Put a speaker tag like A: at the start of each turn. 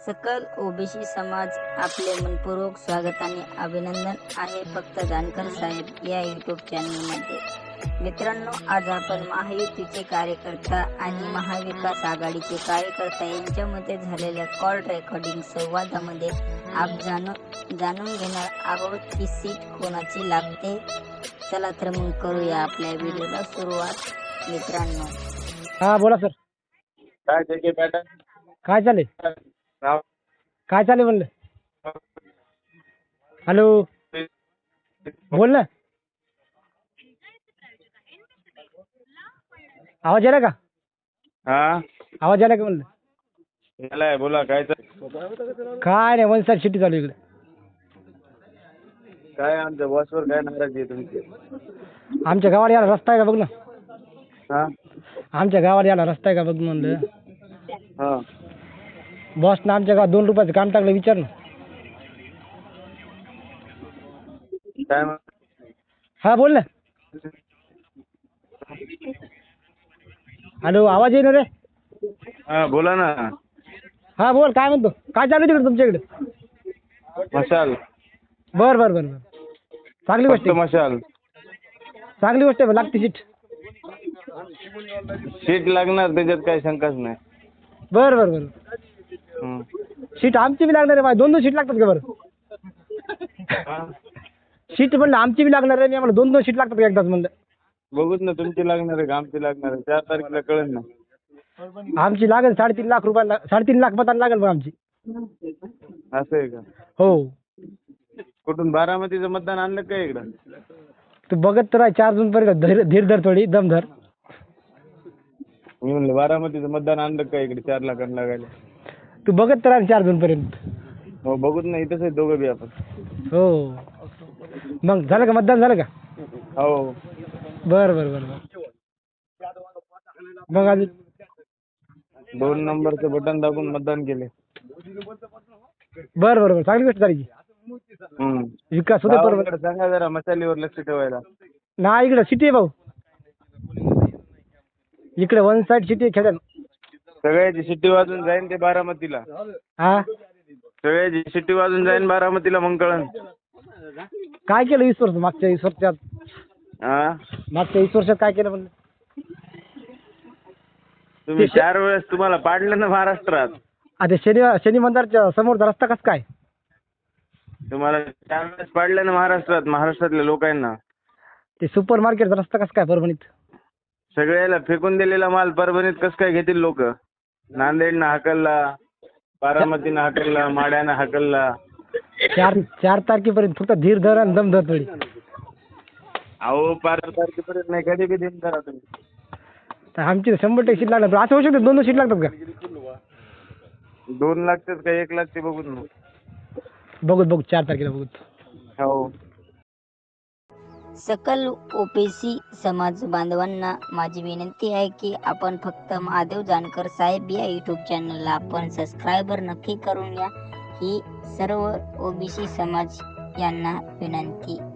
A: सकल ओबीसी समाज आपले मनपूर्वक स्वागत आणि अभिनंदन आहे फक्त जानकर साहेब या यूट्यूब चॅनलमध्ये. मित्रांनो, आज आपण महायुतीचे कार्यकर्ता आणि महाविकास आघाडीचे कार्यकर्ता यांच्यामध्ये झालेल्या कॉल रेकॉर्डिंग संवादामध्ये आप जाणून घेणार आहोत की सीट कोणाची लागते. चला तर मग करूया आपल्या व्हिडिओला सुरुवात. मित्रांनो,
B: हा बोला सर.
C: काय त्याचे पॅटर्न
B: काय चालेल म्हणलं. हॅलो, बोल ना. आवाज आला का?
C: हा
B: आवाज आला का म्हणलं.
C: यालाय बोला. काय
B: काय नाही, वन साईड सिटी चालू इकडे.
C: काय आमच्या बॉसवर काय नाराजी आहे तुमची?
B: आमच्या गावाला यायला रस्ता आहे का बघ ना.
C: हा
B: आमच्या गावाला यायला रस्ता आहे का बघ म्हणलं.
C: हा
B: बॉसनं आमच्या गावात 2 रुपयाचं काम टाकलं, विचार ना.
C: काय म्हण-
B: हा बोल ना. हॅलो, आवाज येईना रे.
C: हा बोला ना.
B: हा बोल, काय म्हणतो. काय चालू तिकडे तुमच्या इकडे?
C: मशाल.
B: बर बर बर बर, चांगली गोष्ट
C: फक्त
B: आहे.
C: मशाल.
B: चांगली गोष्ट आहे, लागते सीट.
C: सीट लागणार, त्याच्यात काही शंकाच नाही.
B: बर बर बर,
C: हम्म.
B: सीट आमची बी लागणार आहे. माझी 2-2 सीट लागतात का बरं?
C: हा?
B: सीट म्हणलं आमची बी लागणार आहे. मी आम्हाला 2-2 सीट लागतात का एकदाच म्हणलं.
C: बघूच ना, तुमची लागणार आहे का आमची लागणार आहे? 4 तारखेला कळेल ना.
B: आमची लागेल 3.5 लाख रुपयाला, 3.5 लाख मतांना लागेल मग आमची.
C: असं आहे का?
B: हो,
C: कुठून बारामतीचं मतदान आणलं का इकडं?
B: तू बघत तर आहे 4 जून पर्यंत. धीर धर, थोडी दम धर.
C: मी म्हणलं बारामतीचं मतदान आणलं का इकडे 4 लाखांना लागायला?
B: तू बघत तर आहे 4 जून पर्यंत.
C: हो बघूच ना, इथंच आहे दोघं बी आपण.
B: हो, मग झालं का मतदान, झालं का?
C: हो.
B: बर बर बर बर. मग अजून
C: 2 नंबरचं बटन दाबून मतदान केले.
B: बर बर बर, चांगली गोष्ट झाली की. विकास होते बरोबर.
C: गावाकडे सांगा जरा मसालीवर लक्ष ठेवायला.
B: ना इकडे सिटी आहे भाऊ. इकडे वन साईड सिटी आहे खेड्यात.
C: सगळ्याची शिट्टी वाजून जाईन ते बारामतीला.
B: हा,
C: सगळ्याची शिट्टी वाजून जाईन बारामतीला, मग कळन.
B: काय केलं 20 वर्ष? मागच्या 20 वर्षात,
C: हा
B: मागच्या 20 वर्षात काय केलं म्हणलं?
C: तुम्ही 4 वेळेस तुम्हाला पाडलं ना महाराष्ट्रात.
B: आता शनी मंदिरच्या समोरचा रस्ता कसं काय?
C: तुम्हाला 4 वेळेस पाडलं ना महाराष्ट्रात, महाराष्ट्रातल्या लोकांना.
B: ते सुपर मार्केटचा रस्ता कसं काय परभणीत?
C: सगळ्याला फेकून दिलेला माल परभणीत कसं काय घेतील लोक? नांदेडनं हाकलला, बारामतीनं हाकलला, माड्यानं हाकलला.
B: 4 तारखेपर्यंत फक्त धीर धर आणि दम धर थोडी.
C: अहो 5 तारखेपर्यंत नाही, कधी बी दिन करा तुम्ही.
B: तर आमची 100% सीट लागणार. असं होऊ शकतं 2-2 सीट लागतात का?
C: 2 लागतात का 1 लागते बघून मग.
B: बघू 4 तारखेला बघू.
C: हो.
A: सकल ओबीसी समाज बांधवांना माझी विनंती आहे की आपण फक्त महादेव जानकर साहेब या यूट्यूब चॅनलला आपण सबस्क्रायबर नक्की करून या. ही सर्व ओबीसी समाज यांना विनंती.